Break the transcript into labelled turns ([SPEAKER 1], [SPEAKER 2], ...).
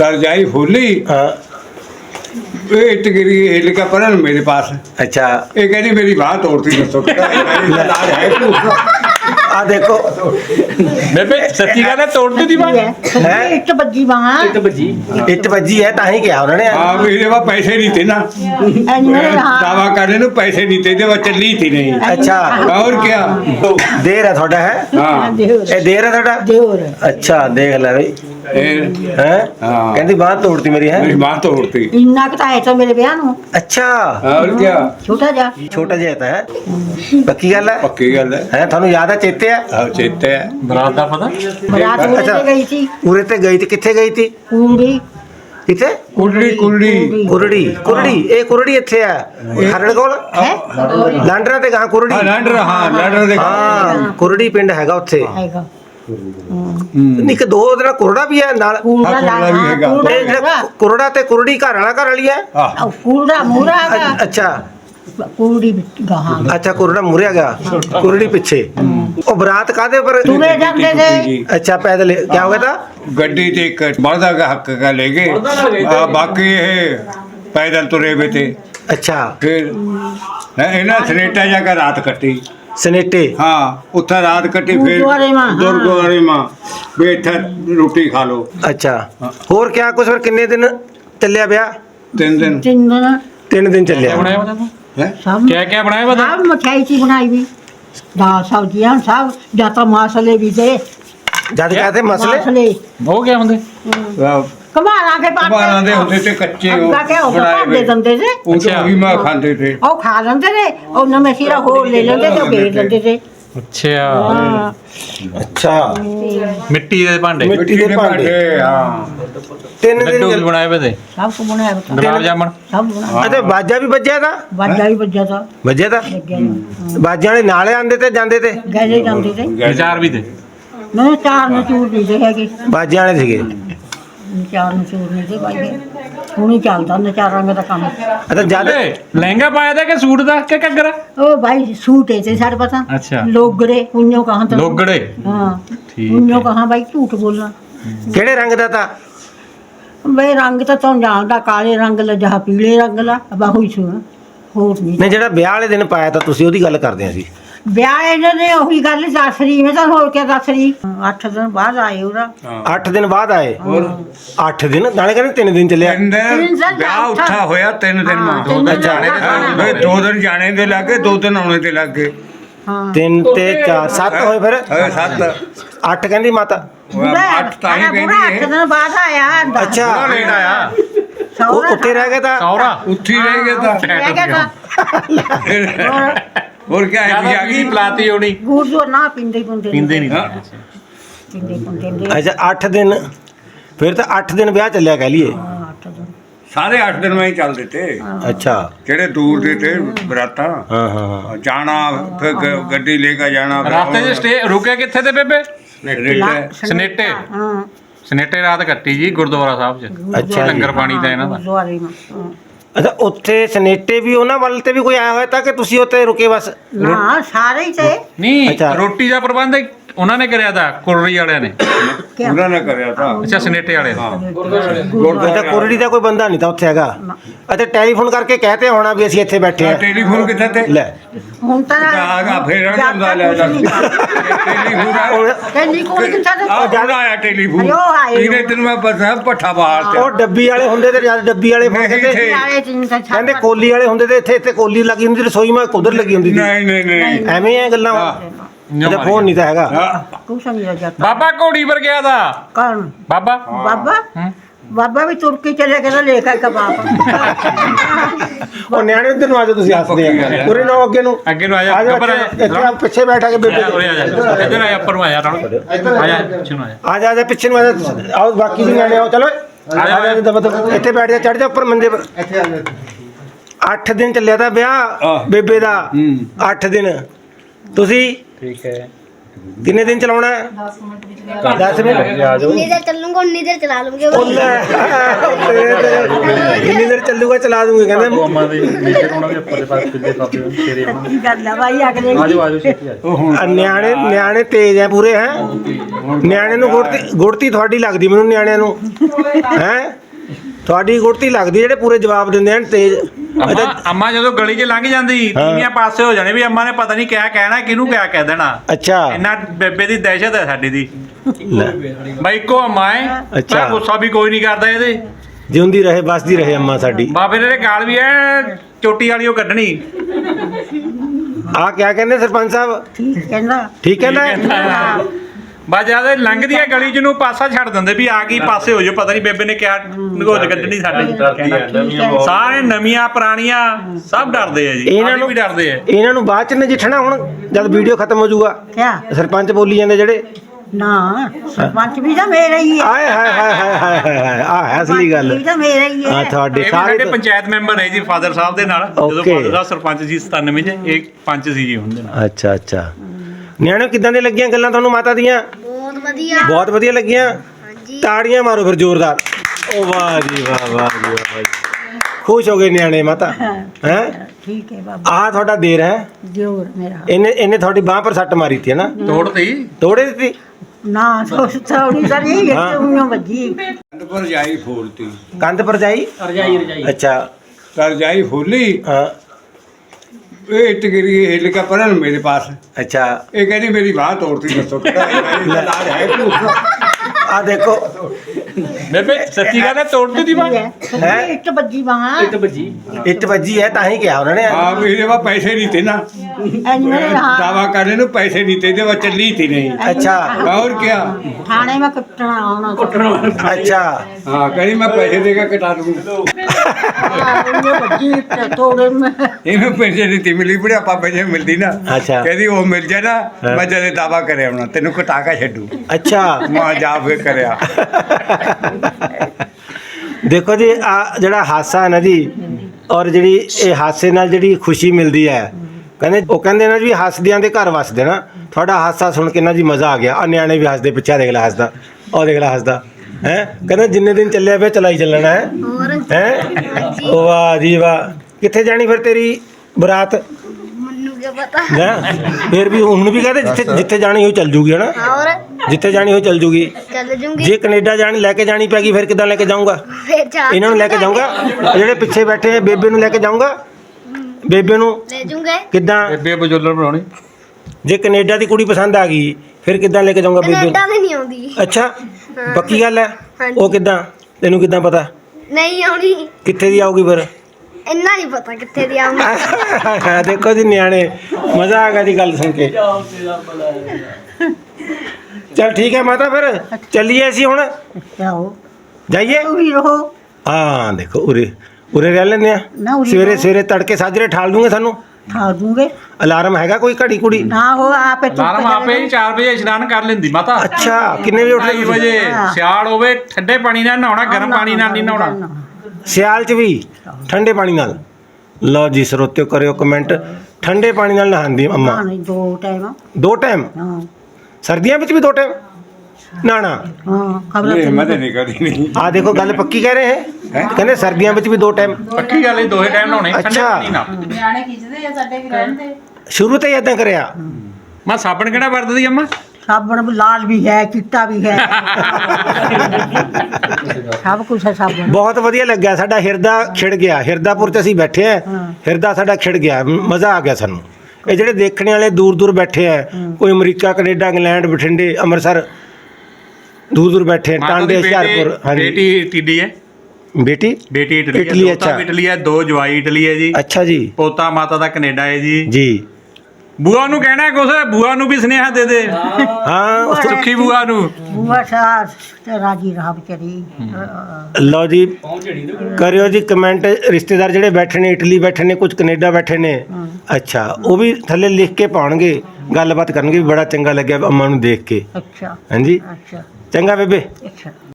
[SPEAKER 1] सरजाई फूली
[SPEAKER 2] हाँ
[SPEAKER 1] ये टिकरी हिल का परन मेरे पास
[SPEAKER 2] अच्छा
[SPEAKER 1] ये कहती मेरी बात तोड़ती दसो इलाज है क्यों?
[SPEAKER 2] आ देखो
[SPEAKER 3] ਬੇਬੇ ਸੱਚੀ ਗੱਲ ਹੈ ਤੋੜ ਦਿੱਤੀ ਬਾਂਹ
[SPEAKER 2] है
[SPEAKER 4] ਇੱਟ ਵੱਜੀ ਬਾਂਹ
[SPEAKER 2] इट बजी है ताही क्या उन्होंने
[SPEAKER 1] हाँ मेरे पास पैसे नहीं थे ना
[SPEAKER 4] ਇੰਨੇ ਹਾਂ
[SPEAKER 1] दावा करने को पैसे नहीं थे वो चली थी नहीं
[SPEAKER 2] अच्छा
[SPEAKER 1] और क्या
[SPEAKER 2] देर है थोड़ा है
[SPEAKER 1] हाँ
[SPEAKER 2] ये देर है थोड़ा
[SPEAKER 4] ਦੇਵਰ
[SPEAKER 2] अच्छा देख ले भाई
[SPEAKER 1] फिर
[SPEAKER 2] हैं
[SPEAKER 1] हाँ।
[SPEAKER 2] कहती बात तोड़ती मेरी है
[SPEAKER 1] मेरी बात तोड़ती
[SPEAKER 4] ਇੰਨਾ ਕੁ ਤਾਂ ਆਇਆ ਤਾਂ ਮੇਰੇ ਵਿਆਹ ਨੂੰ
[SPEAKER 2] अच्छा
[SPEAKER 1] और क्या
[SPEAKER 4] ਛੋਟਾ ਜਿਹਾ
[SPEAKER 2] छोटा जिहा है पक्की गल है
[SPEAKER 1] पक्की गल है
[SPEAKER 2] हैं थानू याद है चेते है
[SPEAKER 1] हाँ चेते है
[SPEAKER 3] ਬਰਾਤ ਦਾ ਪਤਾ
[SPEAKER 4] ਬਰਾਤ
[SPEAKER 2] अच्छा।
[SPEAKER 4] ਉਹਦੇ ਗਈ ਸੀ
[SPEAKER 2] उरे ते गई थी किथे गई थी
[SPEAKER 4] ਕੁੜੀ
[SPEAKER 2] किथे
[SPEAKER 1] कुंडली कुंडली
[SPEAKER 2] कुरड़ी कुरड़ी ए कुरड़ी इथे है हरड़ कोल
[SPEAKER 4] ਹੈ
[SPEAKER 2] लांडरा ते कहां कुरड़ी
[SPEAKER 1] हाँ लैंडर देखा
[SPEAKER 2] हाँ कुरड़ी पिंड हैगा उत्थे
[SPEAKER 4] ਹੈਗਾ
[SPEAKER 2] निक दो ਉਹਦੇ ਨਾਲ ਕੁਰੜਾ ਵੀ ਹੈ ਨਾਲ
[SPEAKER 4] ਕੁੜਾ
[SPEAKER 1] ਕੁਰੜਾ ਵੀ ਹੈਗਾ।
[SPEAKER 2] ਇਹ ਜਿਹੜਾ ਕੁਰੜਾ ਤੇ ਕੁਰੜੀ ਘਰ ਵਾਲੀ ਹੈ
[SPEAKER 1] हाँ
[SPEAKER 4] ਕੁੜਾ ਮੂਰਾ ਹੈਗਾ
[SPEAKER 2] ਅੱਛਾ
[SPEAKER 4] ਕੁੜੀ ਗਾਹਾਂ
[SPEAKER 2] ਅੱਛਾ ਕੁਰੜਾ ਮੁਰਿਆ ਗਿਆ ਕੁਰੜੀ ਪਿੱਛੇ ਉਹ ਬਰਾਤ ਕਾਦੇ ਪਰ
[SPEAKER 4] ਤੁਰੇ ਜਾਂਦੇ थे
[SPEAKER 2] अच्छा पैदल क्या हो गया था
[SPEAKER 1] गड्डी ते एक मर्दा का हक का ले गए बाकी ये पैदल तुरे हुए थे
[SPEAKER 2] अच्छा
[SPEAKER 1] फिर इन्हें सनेटा जाकर रात कटी
[SPEAKER 2] सनेटे
[SPEAKER 1] हाँ उत्थे रात कटी फिर
[SPEAKER 4] गुरुद्वारे में, हाँ।
[SPEAKER 1] गुरुद्वारे में भी इत्थे रोटी खा लो
[SPEAKER 2] अच्छा ਹੋਰ ਕਿਆ ਕੁਛ ਫਿਰ ਕਿੰਨੇ ਦਿਨ ਚੱਲਿਆ ਵਿਆਹ
[SPEAKER 1] 3 दिन
[SPEAKER 4] ਤਿੰਨ ਦਿਨ
[SPEAKER 2] 3 ਦਿਨ
[SPEAKER 3] ਕਿਆ
[SPEAKER 2] ਚੱਲਿਆ
[SPEAKER 3] ਬਣਾਇਆ ਪਤਾ
[SPEAKER 1] है
[SPEAKER 4] ਸਭ
[SPEAKER 3] ਕਿਆ ਕਿਆ ਬਣਾਇਆ ਪਤਾ
[SPEAKER 4] ਸਭ ਮਠਿਆਈ ਸੀ ਬਣਾਈ ਵੀ ਦਾਲ ਸਬਜ਼ੀਆਂ ਸਭ ਜਾਂ ਤਾਂ ਮਸਾਲੇ ਵੀ ਤੇ
[SPEAKER 2] ਜਦ ਕਹਤੇ ਮਸਲੇ
[SPEAKER 4] ਮਸਾਲੇ
[SPEAKER 3] ਉਹ ਕਿਆ ਹੁੰਦੇ
[SPEAKER 4] ਕਮਾਲਾਂ ਕੇ ਪਾਤੇ
[SPEAKER 1] कबारां दे होते थे कच्चे वो
[SPEAKER 4] ਅੱਗਾ ਕੇ ਉਹ
[SPEAKER 1] बनाए
[SPEAKER 4] ਪਾਦੇ
[SPEAKER 1] हुए।
[SPEAKER 4] ਦਿੰਦੇ ਸੀ
[SPEAKER 1] वो तो वही में खाते थे
[SPEAKER 4] ਉਹ ਖਾ ਲੈਂਦੇ ਨੇ ਉਹ ਨਵੇਂ ਸਿਰਾ ਹੋਰ ਲੈ ਲੈਂਦੇ ਤੇ ਉਹ ਵੇਚ ਦਿੰਦੇ ਸੀ
[SPEAKER 3] ਅੱਛਾ
[SPEAKER 4] ਹਾਂ
[SPEAKER 2] ਅੱਛਾ
[SPEAKER 3] ਮਿੱਟੀ ਦੇ ਭਾਂਡੇ
[SPEAKER 2] ਮਿੱਟੀ ਦੇ ਭਾਂਡੇ
[SPEAKER 1] हाँ
[SPEAKER 2] 3
[SPEAKER 3] ਲੱਡੂ ਵੀ
[SPEAKER 2] ਦਿਨ
[SPEAKER 3] ਬਣਾਏ ਵੇ ਤੇ
[SPEAKER 4] ਸਭ ਕੁ ਬਣਾਇਆ ਬਤਾ
[SPEAKER 3] ਗੁਲਾਬ ਜਾਮਣ
[SPEAKER 4] ਸਭ ਬਣਾਇਆ
[SPEAKER 2] ਅੱਛਾ ਬਾਜਾ ਵੀ ਵੱਜਿਆ ਤਾਂ
[SPEAKER 4] ਵਾਜਾ ਵੀ ਵੱਜਾ ਤਾਂ
[SPEAKER 2] ਵੱਜਿਆ ਤਾਂ
[SPEAKER 4] ਲੱਗਿਆ ਨਾ
[SPEAKER 2] ਬਾਜਾਂ ਵਾਲੇ ਨਾਲੇ ਆਂਦੇ ਤੇ ਜਾਂਦੇ ਤੇ
[SPEAKER 4] ਗਏ ਜਾਂਦੇ ਤੇ
[SPEAKER 3] ਵਿਚਾਰ ਵੀ ਤੇ
[SPEAKER 4] ਮੈਂ ਚਾਰ ਨੂੰ ਚੂਰ ਨਹੀਂ ਦੇ ਹੈਗੇ
[SPEAKER 2] ਬਾਜਾਂ ਵਾਲੇ ਸੀਗੇ
[SPEAKER 4] ਚਾਰ ਨੂੰ ਚੂਰ ਨਹੀਂ ਦੇ ਭਾਈ ਹੁਣ ਹੀ ਚੱਲਦਾ ਨਚਾਰਾਂ ਦਾ ਕੰਮ
[SPEAKER 2] ਅੱਛਾ ਜਦ
[SPEAKER 3] ਲਹਿੰਗਾ ਪਾਇਆ ਦਾ ਕਿ ਸੂਟ ਦਾ ਕਿ ਘੱਗਰਾ
[SPEAKER 4] ਉਹ ਭਾਈ सूट है थे सारे पता
[SPEAKER 3] अच्छा।
[SPEAKER 4] लोगड़े उन्यों कहाँ था
[SPEAKER 3] ਲੋਗੜੇ
[SPEAKER 4] हाँ
[SPEAKER 3] ठीक
[SPEAKER 4] उन्यों कहाँ भाई झूठ बोलना
[SPEAKER 2] ਕਿਹੜੇ ਰੰਗ ਦਾ ਤਾਂ
[SPEAKER 4] भाई रंग तो तुम जानता काले रंग ला जहाँ पीले रंग ला बाहू ही सुन होर नहीं
[SPEAKER 2] ਨਹੀਂ ਜਿਹੜਾ ਵਿਆਹ ਵਾਲੇ ਦਿਨ ਪਾਇਆ ਤਾਂ ਤੁਸੀਂ ਉਹਦੀ ਗੱਲ ਕਰਦੇ ਆਂ ਸੀ
[SPEAKER 4] ब्याह इन्होंने ਉਹੀ ਗੱਲ ਦੱਸ ਰਹੀ ਮੈਂ ਤਾਂ ਹੋਰ ਕੀ ਦੱਸ ਰਹੀ 8 ਦਿਨ ਬਾਅਦ ਆਏ ਉਹਦਾ
[SPEAKER 2] 8 ਦਿਨ ਬਾਅਦ ਆਏ 8 ਦਿਨ ਨਾਲੇ ਕਹਿੰਦੇ 3 ਦਿਨ ਚੱਲਿਆ
[SPEAKER 1] 3 दिन
[SPEAKER 4] दिन
[SPEAKER 1] ब्याह उठा होया 3 दिन
[SPEAKER 4] हाँ,
[SPEAKER 1] में
[SPEAKER 4] तीन दिन
[SPEAKER 1] जाने
[SPEAKER 4] जाना।
[SPEAKER 1] 2 दिन जाने दे लगे 2 दिन आने दे लगे
[SPEAKER 4] ਹਾਂ
[SPEAKER 2] 3 ਤੇ 4 7 ਹੋਏ ਫਿਰ
[SPEAKER 1] 7
[SPEAKER 2] 8 ਕਹਿੰਦੀ ਮਾਤਾ
[SPEAKER 4] ਬੁੜਾ
[SPEAKER 1] 8 ਤਾਂ ਹੀ
[SPEAKER 4] ਬੁੜਾ 8
[SPEAKER 1] ਕਹਿੰਦੀ
[SPEAKER 4] ਦਿਨ ਬਾਅਦ ਆਇਆ
[SPEAKER 2] ਅੱਛਾ
[SPEAKER 3] ਲੇਟ ਆਇਆ
[SPEAKER 2] ਉਹ ਉੱਥੇ ਰਹਿ ਗਿਆ ਤਾਂ
[SPEAKER 3] ਸੌਰਾ
[SPEAKER 1] ਉੱਥੇ ਹੀ ਰਹਿ ਗਿਆ ਤਾਂ
[SPEAKER 4] ਰਹਿ ਗਿਆ ਤਾਂ
[SPEAKER 1] ਹੋਰ ਕੀ ਹੈ
[SPEAKER 3] ਜਿਆਦਾ
[SPEAKER 1] ਆ
[SPEAKER 3] ਵੀ
[SPEAKER 1] ਗਈ
[SPEAKER 3] ਪਲਾਤੀ ਹੋਣੀ
[SPEAKER 4] ਗੁੜ ਜੋ ਨਾ ਪੀਂਦੇ ਹੀ
[SPEAKER 3] ਪੀਂਦੇ ਨਹੀਂ
[SPEAKER 1] ਹਾਂ।
[SPEAKER 4] ਪੀਂਦੇ ਪੁੰਦੇ
[SPEAKER 2] ਅੱਛਾ 8 ਦਿਨ ਫਿਰ ਤਾਂ 8 ਦਿਨ ਵਿਆਹ ਚੱਲਿਆ ਕਹਿ ਲਈਏ
[SPEAKER 4] 8 ਦਿਨ
[SPEAKER 1] ਸਾਰੇ 8 ਦਿਨ में ही ਚੱਲਦੇ ਤੇ
[SPEAKER 2] ਅੱਛਾ
[SPEAKER 1] ਜਿਹੜੇ ਦੂਰ ਦੇ ਤੇ ਬਰਾਤਾਂ
[SPEAKER 2] ਹਾਂ ਹਾਂ ਹਾਂ
[SPEAKER 1] ਜਾਣਾ ਫਿਰ ਗੱਡੀ ਲੈ ਕੇ ਜਾਣਾ ਫਿਰ
[SPEAKER 3] ਰਸਤੇ 'ਚ ਸਟੇ ਰੁਕੇ ਕਿੱਥੇ ਤੇ ਬੇਬੇ
[SPEAKER 1] ਰੇਟ
[SPEAKER 3] ਸਨੇਟੇ
[SPEAKER 4] ਹਾਂ
[SPEAKER 3] ਸਨੇਟੇ ਰਾਤ ਕੱਟੀ ਜੀ ਗੁਰਦੁਆਰਾ ਸਾਹਿਬ 'ਚ
[SPEAKER 2] ਅੱਛਾ
[SPEAKER 3] ਲੰਗਰ ਪਾਣੀ ਦਾ ਇਹਨਾਂ ਦਾ
[SPEAKER 4] ਗੁਰਦੁਆਰੇ में
[SPEAKER 2] ਅੱਛਾ ਉੱਥੇ ਸਨੇਟੇ ਵੀ ਉਹਨਾਂ ਵੱਲ ਤੇ ਵੀ ਕੋਈ ਆਇਆ ਹੋਇਆ ਤਾਂ ਕਿ ਤੁਸੀਂ ਉੱਥੇ ਰੁਕੇ ਬਸ
[SPEAKER 4] ਨਾ ਸਾਰੇ ਹੀ ਤੇ
[SPEAKER 3] ਨਹੀਂ
[SPEAKER 2] ਅੱਛਾ।
[SPEAKER 3] ਰੋਟੀ ਦਾ ਪ੍ਰਬੰਧ ਉਹਨਾਂ ਨੇ ਕਰਿਆ ਤਾਂ ਕੁਰੜੀ ਵਾਲਿਆਂ ਨੇ
[SPEAKER 1] ਉਹਨਾਂ ਨੇ ਕਰਿਆ ਤਾਂ
[SPEAKER 3] ਅੱਛਾ ਸਨੇਟੇ ਵਾਲੇ ਨੇ
[SPEAKER 2] ਅੱਛਾ ਕੁਰੜੀ ਦਾ ਕੋਈ ਬੰਦਾ ਨਹੀਂ ਤਾਂ ਉੱਥੇ ਹੈਗਾ ਅੱਛਾ ਟੈਲੀਫੋਨ ਕਰਕੇ ਕਹਤੇ ਹੋਣਾ ਵੀ ਅਸੀਂ ਇੱਥੇ ਬੈਠੇ ਆ
[SPEAKER 1] ਟੈਲੀਫੋਨ ਕਿੱਥੇ ਤੇ
[SPEAKER 2] ਲੈ
[SPEAKER 4] ਹੁਣ ਤਾਂ
[SPEAKER 1] ਆਗਾ ਫਿਰ ਹੁੰਦਾ ਲੈ ਜਾ ਟੈਲੀਫੋਨ
[SPEAKER 4] ਟੈਲੀਫੋਨ ਕਿੱਥੇ ਤੇ
[SPEAKER 1] ਆ ਜਿਆਦਾ ਆਇਆ ਟੈਲੀਫੋਨ
[SPEAKER 4] ਅਯੋ ਆਏ
[SPEAKER 1] ਇਹਨੇ ਦਿਨ ਮੈਂ ਬਸ ਪੱਠਾ ਬਾਹਰ
[SPEAKER 2] ਉਹ ਡੱਬੀ ਵਾਲੇ ਹੁੰਦੇ ਤੇ ਜਦ ਡੱਬੀ ਵਾਲੇ ਹੁੰਦੇ
[SPEAKER 1] ਨਹੀਂ
[SPEAKER 2] ਤੇ
[SPEAKER 1] ਥੇ।
[SPEAKER 4] ਆਏ ਜਿੰਨ ਤਾਂ
[SPEAKER 2] ਕਹਿੰਦੇ ਕੋਲੀ ਵਾਲੇ ਹੁੰਦੇ ਤੇ ਇੱਥੇ ਕੋਲੀ ਲੱਗੀ ਹੁੰਦੀ ਰਸੋਈ ਮੈਂ ਕੁਦਰ ਲੱਗੀ ਹੁੰਦੀ ਸੀ
[SPEAKER 1] ਨਹੀਂ ਨਹੀਂ ਨਹੀਂ
[SPEAKER 2] ਐਵੇਂ ਐ ਗੱਲਾਂ ਇਹਦਾ ਫੋਨ ਨਹੀਂ ਤਾਂ ਹੈਗਾ
[SPEAKER 1] ਹਾਂ।
[SPEAKER 4] ਕੁਛ ਨਹੀਂ ਰਹਿ ਜਾਤਾ
[SPEAKER 3] ਬਾਬਾ ਘੋੜੀ ਪਰ ਗਿਆ ਦਾ
[SPEAKER 4] ਕੌਣ
[SPEAKER 3] ਬਾਬਾ
[SPEAKER 4] ਬਾਬਾ
[SPEAKER 3] ਹੂੰ।
[SPEAKER 4] ਬਾਬਾ ਵੀ ਤੁਰ ਕੇ ਚਲੇ ਗਿਆ ਲੈ ਕੇ ਕਬਾਬ
[SPEAKER 2] ਉਹ ਨਿਆਣੇ ਉਧਰ ਨੂੰ ਆ ਜਾਓ ਤੁਸੀਂ ਹੱਸਦੇ ਆ ਉਰੇ ਨੂੰ ਅੱਗੇ ਨੂੰ
[SPEAKER 3] ਅੱਗੇ ਨੂੰ ਆ ਜਾ,
[SPEAKER 2] ਆ ਜਾਓ
[SPEAKER 3] ਉੱਪਰ ਆ ਜਾ।
[SPEAKER 2] ਇੱਥੇ ਆ ਪਿੱਛੇ ਬੈਠਾ ਕੇ ਬੇਬੇ
[SPEAKER 3] ਉਰੇ ਆ ਜਾ ਇੱਧਰ ਆ ਜਾ ਉੱਪਰ ਨੂੰ ਆ ਜਾ ਰਣ ਆ ਜਾ ਪਿੱਛੇ ਨੂੰ ਆ ਜਾ
[SPEAKER 2] ਆ ਜਾ ਆ ਜਾ ਪਿੱਛੇ ਨੂੰ ਆ ਜਾ ਆਓ ਬਾਕੀ ਵੀ ਨਿਆਣੇ ਆਓ ਚਲੋ ਆ ਜਾ ਦਬਾ ਇੱਥੇ ਬੈਠ ਜਾ ਚੜ ਜਾ ਉੱਪਰ ਮੰਜੇ ਪਰ 8 ਦਿਨ ਚੱਲਿਆ ਤਾਂ ਵਿਆਹ
[SPEAKER 1] ਆਹ।
[SPEAKER 2] ਬੇਬੇ ਦਾ
[SPEAKER 1] ਹੂੰ।
[SPEAKER 2] 8 ਦਿਨ ਤੁਸੀਂ
[SPEAKER 3] ਠੀਕ ਹੈ
[SPEAKER 2] ਕਿੰਨੇ ਦਿਨ ਚਲਾਉਣਾ ਹੈ 10 ਮਿੰਟ
[SPEAKER 5] उन्नी देर चलूंगा उन्नी देर चला लूंगे वो।
[SPEAKER 2] ਜਿੰਨੀ ਦੇਰ ਚੱਲੂਗਾ ਚਲਾ ਦੂੰਗੇ ਕਹਿੰਦੇ
[SPEAKER 3] ਮਾਮਾ ਦੇ ਨੀਚੇ ਹੋਣਾ ਵੀ ਉੱਪਰ ਦੇ ਪਾਸ ਪਿੱਛੇ ਪਾਸੇ ਸ਼ੇਰੇ
[SPEAKER 4] ਕੀ ਗੱਲ ਆ ਭਾਈ ਅਗਲੇ
[SPEAKER 3] ਆਜੋ ਛੇਤੀ ਆਜੋ
[SPEAKER 2] ਨਿਆਣੇ ਤੇਜ਼ ਹੈ ਪੂਰੇ ਹੈ ਨਿਆਣੇ ਨੂੰ ਗੁੜਤੀ ਤੁਹਾਡੀ ਲੱਗਦੀ ਮੈਨੂੰ ਨਿਆਣਿਆਂ ਨੂੰ ਹੈ ਤੁਹਾਡੀ ਗੁੜਤੀ ਲੱਗਦੀ ਜਿਹੜੇ ਪੂਰੇ ਜਵਾਬ ਦਿੰਦੇ ਹਨ ਤੇਜ਼
[SPEAKER 3] ਅੰਮਾ ਜਦੋਂ ਗਲੀ 'ਚ ਲੰਘ ਜਾਂਦੀ ਤੀਵੀਆਂ ਪਾਸੇ ਹੋ ਜਾਣੇ ਵੀ ਅੰਮਾ ਨੇ ਪਤਾ ਨਹੀਂ ਕਿਆ ਕਹਿਣਾ ਕਿਹਨੂੰ ਕਿਆ ਕਹਿ ਦੇਣਾ
[SPEAKER 2] ਅੱਛਾ
[SPEAKER 3] ਇੰਨਾ ਬੇਬੇ ਦੀ ਦਹਿਸ਼ਤ ਹੈ ਸਾਡੀ ਦੀ
[SPEAKER 2] ਲੈ,
[SPEAKER 3] ਬਾਈ ਇੱਕੋ ਅੰਮਾ ਹੈ
[SPEAKER 2] ਅੱਛਾ।
[SPEAKER 3] ਪਰ ਗੁੱਸਾ ਵੀ ਕੋਈ ਨਹੀਂ ਕਰਦਾ ਇਹਦੇ
[SPEAKER 2] ਜਿਉਂਦੀ ਰਹੇ ਬਸਦੀ ਰਹੇ ਅੰਮਾ ਸਾਡੀ
[SPEAKER 3] ਬਾਬੇ ਦੇ ਗਾਲ ਵੀ ਹੈ ਚੋਟੀ ਵਾਲੀ ਉਹ ਕੱਢਣੀ
[SPEAKER 2] ਆ ਕਿਆ ਕਹਿੰਦੇ ਸਰਪੰਚ ਸਾਹਿਬ
[SPEAKER 4] ਠੀਕ ਕਹਿੰਦਾ
[SPEAKER 2] ਠੀਕ ਕਹਿੰਦਾ
[SPEAKER 3] ਬਸ ਜਦ ਇਹ ਲੰਘਦੀ ਹੈ ਗਲੀ 'ਚ ਨੂੰ ਪਾਸਾ ਛੱਡ ਦਿੰਦੇ ਵੀ ਆ ਕੀ ਪਾਸੇ ਹੋ ਜਾਓ ਪਤਾ ਨਹੀਂ ਬੇਬੇ ਨੇ ਕਿਆ ਨਗੋਜ ਕੱਢਣੀ ਸਾਡੀ ਸਾਰੇ ਨਵੀਆਂ ਪੁਰਾਣੀਆਂ ਸਭ ਡਰਦੇ ਆ ਜੀ
[SPEAKER 2] ਇਹਨਾਂ
[SPEAKER 3] ਅਸੀਂ
[SPEAKER 2] ਨੂੰ
[SPEAKER 3] ਵੀ ਡਰਦੇ ਆ
[SPEAKER 2] ਇਹਨਾਂ ਨੂੰ ਬਾਅਦ ਚ ਨਜਿੱਠਣਾ ਹੁਣ ਜਦ ਵੀਡੀਓ ਖਤਮ ਹੋ ਜਾਊਗਾ
[SPEAKER 4] ਕਿਆ
[SPEAKER 2] ਸਰਪੰਚ ਬੋਲੀ ਜਾਂਦੇ ਜਿਹੜੇ
[SPEAKER 4] ਨਾ ਸਰਪੰਚ ਵੀ ਤਾਂ ਮੇਰਾ ਹੀ ਹੈ
[SPEAKER 2] ਆਏ ਹਾਏ ਹਾਏ ਹਾਏ ਹਾਏ ਹਾਏ ਹਾਏ ਆ ਹੈ ਅਸਲੀ ਗੱਲ
[SPEAKER 4] ਵੀ ਤਾਂ ਮੇਰਾ ਹੀ
[SPEAKER 2] ਆ
[SPEAKER 4] ਹੈ
[SPEAKER 2] ਤੁਹਾਡੇ
[SPEAKER 3] ਇਹ ਵੀ
[SPEAKER 2] ਸਾਰੇ
[SPEAKER 3] ਸਾਡੇ ਪੰਚਾਇਤ ਮੈਂਬਰ ਹੈ ਜੀ ਫਾਦਰ ਸਾਹਿਬ ਦੇ ਨਾਲ ਜਦੋਂ
[SPEAKER 2] Okay.
[SPEAKER 3] ਫਾਦਰ ਸਾਹਿਬ ਸਰਪੰਚ ਸੀ 97 ਚ ਇਹ ਪੰਚ ਸੀ ਜੀ ਹੁੰਦੇ ਨਾਲ
[SPEAKER 2] ਅੱਛਾ ਅੱਛਾ ਨਿਆਣੇ ਕਿਦਾਂ ਦੇ ਲੱਗੀਆਂ ਗੱਲਾਂ ਤੁਹਾਨੂੰ ਮਾਤਾ ਦੀਆਂ
[SPEAKER 5] बहुत बढ़िया।
[SPEAKER 2] ਬਹੁਤ ਵਧੀਆ ਲੱਗੀਆਂ
[SPEAKER 5] हाँ जी।
[SPEAKER 2] ਤਾੜੀਆਂ ਮਾਰੋ ਫਿਰ ਜ਼ੋਰਦਾਰ ਓ ਵਾਹ ਜੀ ਵਾਹ ਵਾਹ ਜੀ ਵਾਹ ਭਾਈ ਖੁਸ਼ ਹੋ ਗਏ ਨਿਆਣੇ ਮਾਤਾ ਹੈ
[SPEAKER 4] ਠੀਕ ਹੈ ਬਾਬਾ
[SPEAKER 2] ਆਹ ਤੁਹਾਡਾ ਦੇਰ ਹੈ
[SPEAKER 4] ਜੋਰ ਮੇਰਾ
[SPEAKER 2] ਇਹਨੇ ਤੁਹਾਡੀ ਬਾਹ ਪਰ ਸੱਟ ਮਾਰੀ ਤੀ ਹੈ ਨਾ
[SPEAKER 3] ਤੋੜਤੀ
[SPEAKER 2] ਤੋੜੇ ਦਿੱਤੀ
[SPEAKER 4] ਨਾ ਥੋੜੀ ਸਾਰੀ ਇਹ
[SPEAKER 2] ਹਾਂ।
[SPEAKER 4] ਉਈਓ ਵੱਜੀ
[SPEAKER 1] ਕੰਧ ਪਰ ਜਾਈ ਫੋਲਤੀ
[SPEAKER 2] ਕੰਧ ਪਰ ਜਾਈ
[SPEAKER 3] ਰਜਾਈ
[SPEAKER 2] ਅੱਛਾ
[SPEAKER 1] ਕਰ ਜਾਈ ਫੋਲੀ
[SPEAKER 2] ਹਾਂ
[SPEAKER 1] ਇਹ ਇੱਟ ਗਿਰੀ ਹਿੱਲ ਕੇ ਪਰਨ ਮੇਰੇ ਪਾਸ
[SPEAKER 2] ਅੱਛਾ
[SPEAKER 1] ਇਹ ਕਹਿੰਦੀ ਮੇਰੀ ਬਾਹ ਤੋੜਤੀ ਦੱਸੋ ਕਿਹੜਾ ਇਲਾਜ ਹੈ
[SPEAKER 2] ਆ ਦੇਖੋ
[SPEAKER 3] ਬੇਬੇ ਸੱਚੀ ਗੱਲ ਹੈ ਤੋੜਤੀ ਦੀ ਬਾਤ
[SPEAKER 2] ਹੈ
[SPEAKER 4] ਇੱਟ ਵੱਜੀ ਬਾਹਾਂ
[SPEAKER 2] ਇੱਟ ਵੱਜੀ ਹੈ ਤਾਂ ਹੀ ਕਿਹਾ ਉਹਨਾਂ ਨੇ
[SPEAKER 1] ਹਾਂ ਵੀ ਇਹਦੇ ਵਾ ਪੈਸੇ ਨਹੀਂ ਤੇ ਨਾ
[SPEAKER 4] ਐਨੀ ਮੇਰੇ ਹਾਂ
[SPEAKER 1] ਦਾਵਾ ਕਰਨੇ ਨੂੰ ਪੈਸੇ ਨਹੀਂ ਤੇ ਇਹਦੇ ਵਾ ਚੱਲੀ ਥੀ ਨਹੀਂ
[SPEAKER 2] ਅੱਛਾ
[SPEAKER 1] और क्या
[SPEAKER 4] ਥਾਣੇ ਮੈਂ ਕੁੱਟਣਾ ਆਉਣਾ
[SPEAKER 2] ਅੱਛਾ
[SPEAKER 1] हाँ कहीं मैं पैसे देकर कटा दूँ
[SPEAKER 4] ਉਈਓ ਵੱਜੀ ਇੱਟ ਤੋੜੇ ਮੈਂ
[SPEAKER 1] ਇਹਨੂੰ ਪੈਸੇ ਨਹੀਂ ਤੀ ਮਿਲੀ ਬੁੜਿਆ ਆਪਾਂ ਪੈਸੇ ਮਿਲਦੀ ਨਾ
[SPEAKER 2] ਅੱਛਾ।
[SPEAKER 1] ਕਹਿੰਦੀ ਉਹ ਮਿਲ ਜਾਏ ਨਾ
[SPEAKER 2] ਹਾਂ।
[SPEAKER 1] ਮੈਂ ਜਦੇ ਦਾਵਾ ਕਰਿਆ ਹੁਣ ਤੈਨੂੰ ਕਟਾ ਕੇ ਛੱਡੂ
[SPEAKER 2] ਅੱਛਾ
[SPEAKER 1] ਮੈਂ ਜਾ ਫੇਰ ਕਰਿਆ
[SPEAKER 2] ਦੇਖੋ ਜੀ ਆ ਜਿਹੜਾ ਹਾਸਾ ਹੈ ਨਾ ਜੀ ਔਰ ਜਿਹੜੀ ਇਹ ਹਾਸੇ ਨਾਲ ਜਿਹੜੀ ਖੁਸ਼ੀ ਮਿਲਦੀ ਹੈ ਕਹਿੰਦੇ ਨਾ ਜੀ ਹੱਸਦਿਆਂ ਦੇ ਘਰ ਵਸਦੇ ਨਾ ਤੁਹਾਡਾ ਹਾਸਾ ਸੁਣ ਕੇ ਨਾ ਜੀ ਮਜ਼ਾ ਆ ਗਿਆ ਆ ਨਿਆਣੇ ਵੀ ਹੱਸਦੇ ਪਿੱਛੇ ਦੇਖ ਲੈ ਹੱਸਦਾ ਉਹ ਦੇਖ ਲੈ ਹੱਸਦਾ ਹੈ ਕਹਿੰਦਾ ਜਿੰਨੇ ਦਿਨ ਚੱਲਿਆ ਪਿਆ ਚਲਾਈ ਚੱਲਣਾ ਹੈ
[SPEAKER 5] और
[SPEAKER 2] ਹੈ ਵਾਹ ਜੀ ਵਾਹ ਕਿੱਥੇ ਜਾਣੀ ਫਿਰ ਤੇਰੀ ਬਰਾਤ
[SPEAKER 5] मन्नू क्या पता।
[SPEAKER 2] ਹੈ ਫਿਰ ਵੀ ਹੁਣ ਵੀ ਕਹਿੰਦੇ ਜਿੱਥੇ ਜਾਣੀ ਹੋਈ ਚੱਲ ਜੂਗੀ ਹਨਾ
[SPEAKER 5] और
[SPEAKER 2] ਜਿੱਥੇ ਜਾਣੀ ਹੋਈ ਚੱਲ ਜੂਗੀ
[SPEAKER 5] चल जूंगी
[SPEAKER 2] ਜੇ ਕੈਨੇਡਾ ਜਾਣੀ ਲੈ ਕੇ ਜਾਣੀ ਪੈਗੀ ਫਿਰ ਕਿੱਦਾਂ ਲੈ ਕੇ ਜਾਊਂਗਾ
[SPEAKER 5] फिर जा
[SPEAKER 2] ਇਹਨਾਂ ਨੂੰ ਲੈ ਕੇ ਜਾਊਂਗਾ ਆਹ ਜਿਹੜੇ ਪਿੱਛੇ ਬੈਠੇ ਆ ਬੇਬੇ ਨੂੰ ਲੈ ਕੇ ਜਾਊਂਗਾ ਬੇਬੇ ਨੂੰ
[SPEAKER 5] ले जूंगे
[SPEAKER 2] ਕਿੱਦਾਂ
[SPEAKER 3] ਬੇਬੇ ਬਜੋਲਰ ਬਣਾਉਣੀ
[SPEAKER 2] ਜੇ ਕੈਨੇਡਾ ਦੀ ਕੁੜੀ ਪਸੰਦ ਆ ਗਈ ਫਿਰ ਕਿੱਦਾਂ ਲੈ ਕੇ ਜਾਊਂਗਾ ਬੇਬੇ
[SPEAKER 5] कनेडा
[SPEAKER 2] ਨੂੰ
[SPEAKER 5] में नहीं आउंदी
[SPEAKER 2] ਅੱਛਾ ਪੱਕੀ ਗੱਲ ਹੈ
[SPEAKER 5] ਹਾਂਜੀ।
[SPEAKER 2] ਉਹ ਕਿੱਦਾਂ ਤੈਨੂੰ ਕਿੱਦਾਂ ਪਤਾ
[SPEAKER 5] नहीं आउनी
[SPEAKER 2] ਕਿੱਥੇ ਦੀ ਆਊਗੀ ਫਿਰ
[SPEAKER 5] इन्ना नहीं पता कितने दी आऊंगी।
[SPEAKER 2] ਦੇਖੋ ਜੀ ਨਿਆਣੇ ਮਜ਼ਾ ਆ ਗਿਆ ਜੀ ਗੱਲ ਸੁਣ ਕੇ ਚਲ ਠੀਕ ਹੈ ਮਾਤਾ ਫਿਰ ਚੱਲੀਏ ਅਸੀਂ ਹੁਣ
[SPEAKER 4] ਜਾਓ
[SPEAKER 2] ਜਾਈਏ
[SPEAKER 4] ਤੂੰ ਵੀ ਰਹੋ
[SPEAKER 2] ਹਾਂ ਦੇਖੋ ਉਰੇ ਰਹਿ ਲੈਂਦੇ ਆ
[SPEAKER 4] ਨਾ ਉਰੇ
[SPEAKER 2] ਸਵੇਰੇ
[SPEAKER 4] ਰਹੋ।
[SPEAKER 2] ਸਵੇਰੇ ਤੜਕੇ ਸਾਜਰੇ ਠਾਲ ਦੂੰਗੇ ਸਾਨੂੰ
[SPEAKER 4] ਠਾ ਦੂੰਗੇ
[SPEAKER 2] ਅਲਾਰਮ ਹੈਗਾ ਕੋਈ ਘੜੀ ਕੁੜੀ
[SPEAKER 4] ਨਾ ਹੋ ਆਪੇ ਤੂੰ
[SPEAKER 3] ਲਾਰਮ ਆਪੇ ਹੀ 4 ਵਜੇ ਇਸ਼ਨਾਨ ਕਰ ਲੈਂਦੀ ਮਾਤਾ
[SPEAKER 2] ਅੱਛਾ ਕਿੰਨੇ ਵਜੇ ਉੱਠਦੇ
[SPEAKER 3] 2
[SPEAKER 2] ਤੁਸੀਂ?
[SPEAKER 3] ਵਜੇ
[SPEAKER 4] ਹਾਂ।
[SPEAKER 3] ਸਿਆਲ ਹੋਵੇ ਠੰਡੇ ਪਾਣੀ ਨਾਲ ਨਹਾਉਣਾ ਗਰਮ ਪਾਣੀ ਨਾਲ ਨਹੀਂ ਨਹਾਉਣਾ
[SPEAKER 2] ਸਿਆਲ ਚ ਵੀ ਠੰਡੇ ਪਾਣੀ ਨਾਲ ਲਓ ਜੀ ਸਰੋਤਿਓ ਕਰਿਓ ਕਮੈਂਟ ਠੰਡੇ ਪਾਣੀ ਨਾਲ ਨਹਾਉਂਦੀ ਅੰਮਾ
[SPEAKER 4] ਨਹੀਂ ਦੋ ਟਾਈਮ
[SPEAKER 2] 2 ਟਾਈਮ
[SPEAKER 4] ਹਾਂ
[SPEAKER 2] ਸਰਦੀਆਂ ਵਿੱਚ ਵੀ 2 ਟਾਈਮ ਨਾਣਾ
[SPEAKER 4] ਹਾਂ ਖਬਰ
[SPEAKER 1] ਨਹੀਂ ਮੈਂ ਤਾਂ ਨਹੀਂ ਕਰਦੀ ਨਹੀਂ
[SPEAKER 2] ਆ ਦੇਖੋ ਗੱਲ ਪੱਕੀ ਕਹਿ ਰਹੇ ਹੈ ਕਹਿੰਦੇ ਸਰਦੀਆਂ ਵਿੱਚ ਵੀ 2 ਟਾਈਮ
[SPEAKER 3] ਪੱਕੀ ਗੱਲ ਹੈ ਦੋਹੇ ਟਾਈਮ ਨਹਾਉਣੇ ਠੰਡੇ
[SPEAKER 2] ਅੱਛਾ।
[SPEAKER 3] ਪਾਣੀ ਨਾਲ
[SPEAKER 6] ਨਿਆਣੇ ਖਿੱਚਦੇ ਆ ਸਾਡੇ ਵੀ ਰਹਿੰਦੇ
[SPEAKER 2] ਸ਼ੁਰੂ ਤੋਂ ਹੀ ਇਦਾਂ ਕਰਿਆ
[SPEAKER 3] ਮੈਂ ਸਾਬਣ ਕਿਹੜਾ ਵਰਤਦੀ ਅੰਮਾ
[SPEAKER 4] ਸਾਬਣ ਵੀ ਲਾਲ ਵੀ ਹੈ ਚਿੱਟਾ ਵੀ ਹੈ ਸਭ ਕੁਝ ਹੈ ਸਾਬਣ
[SPEAKER 2] ਬਹੁਤ ਵਧੀਆ ਲੱਗਿਆ ਸਾਡਾ ਹਿਰਦਾ ਖਿੜ ਗਿਆ ਹਿਰਦਾਪੁਰ ਚ ਅਸੀਂ ਬੈਠੇ ਆ
[SPEAKER 4] ਹਾਂ।
[SPEAKER 2] ਹਿਰਦਾ ਸਾਡਾ ਖਿੜ ਗਿਆ ਮਜ਼ਾ ਆ ਗਿਆ ਸਾਨੂੰ ਇਹ ਜਿਹੜੇ ਦੇਖਣ ਵਾਲੇ ਦੂਰ ਦੂਰ ਬੈਠੇ ਆ ਕੋਈ ਅਮਰੀਕਾ ਕੈਨੇਡਾ ਇੰਗਲੈਂਡ ਬਠਿੰਡੇ ਅੰਮ੍ਰਿਤਸਰ ਦੂਰ ਦੂਰ ਬੈਠੇ ਆ,
[SPEAKER 3] ਮਾਤਾ
[SPEAKER 2] ਟਾਂਡੇ
[SPEAKER 3] ਦੀ
[SPEAKER 2] ਹੁਸ਼ਿਆਰਪੁਰ ਹਾਂਜੀ
[SPEAKER 3] ਬੇਟੀ ਇਟਲੀ ਹੈ
[SPEAKER 2] ਬੇਟੀ
[SPEAKER 3] ਬੇਟੀ ਇਟਲੀ ਹੈ
[SPEAKER 2] ਇਟਲੀ,
[SPEAKER 3] ਦੋਤਾ
[SPEAKER 2] ਅੱਛਾ।
[SPEAKER 3] ਵੀ ਇਟਲੀ ਹੈ 2 ਜਵਾਈ ਇਟਲੀ ਹੈ ਜੀ
[SPEAKER 2] ਅੱਛਾ ਜੀ
[SPEAKER 3] ਪੋਤਾ ਮਾਤਾ ਦਾ ਕੈਨੇਡਾ ਹੈ ਜੀ
[SPEAKER 2] ਜੀ
[SPEAKER 3] ਬੂਆ ਨੂੰ ਕਹਿਣਾ ਕੁਛ ਬੂਆ ਨੂੰ ਵੀ ਸੁਨੇਹਾ ਦੇ ਦੇ
[SPEAKER 2] ਹਾਂ
[SPEAKER 3] ਸੁੱਖੀ ਬੂਆ ਨੂੰ
[SPEAKER 4] ਬੂਆ ਸਾਹ ਤੇ ਰਾਜੀ ਰਾਹ ਵਿਚਾਰੀ
[SPEAKER 2] ਲਓ ਜੀ ਕਰਿਓ ਜੀ ਕਮੈਂਟ ਰਿਸ਼ਤੇਦਾਰ ਜਿਹੜੇ ਬੈਠੇ ਨੇ ਇਟਲੀ ਬੈਠੇ ਨੇ ਕੁਝ ਕੈਨੇਡਾ ਬੈਠੇ ਨੇ ਅੱਛਾ ਉਹ ਵੀ ਥੱਲੇ ਲਿਖ ਕੇ ਪਾਉਣਗੇ ਗੱਲਬਾਤ ਕਰਨਗੇ ਵੀ ਬੜਾ ਚੰਗਾ ਲੱਗਿਆ ਅੰਮਾ ਨੂੰ ਦੇਖ ਕੇ
[SPEAKER 4] ਅੱਛਾ
[SPEAKER 2] ਹਾਂਜੀ
[SPEAKER 4] ਅੱਛਾ
[SPEAKER 2] ਚੰਗਾ ਬੇਬੇ
[SPEAKER 4] ਅੱਛਾ